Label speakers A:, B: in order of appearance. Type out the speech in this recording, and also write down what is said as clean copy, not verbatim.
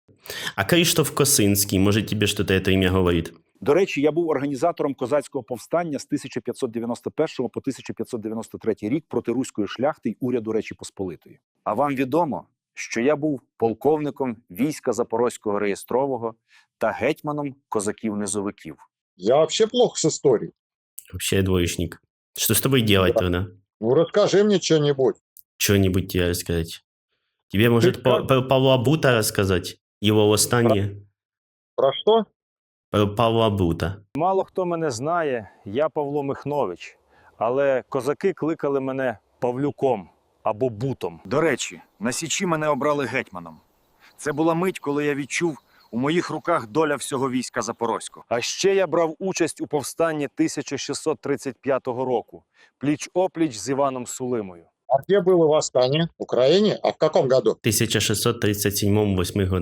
A: А Криштоф Косинський, може тебе щось це ім'я говорить?
B: До речі, я був організатором козацького повстання з 1591 по 1593 рік проти руської шляхти й уряду Речі Посполитої. А вам відомо, що я був полковником війська Запорозького реєстрового та гетьманом козаків-низовиків.
C: Я вообще плохо с историей.
A: Вообще двоечник. Что с тобой делать тогда?
C: Ну, расскажи мне что-нибудь.
A: Что-нибудь тебе рассказать? Тебе, может,
C: как?
A: про Павла Бута рассказать? Его восстание?
C: Про что?
A: Про Павла Бута.
B: Мало хто мене знає, я Павло Михнович, але козаки кликали мене Павлюком або Бутом. До речі, на Січі мене обрали гетьманом. Це була мить, коли я відчув, у моїх руках доля всього війська Запорозького. А ще я брав участь у повстанні 1635 року, пліч-опліч з Іваном Сулимою.
C: А где было восстание? В Украине? А в каком году?
A: В 1637-8 году.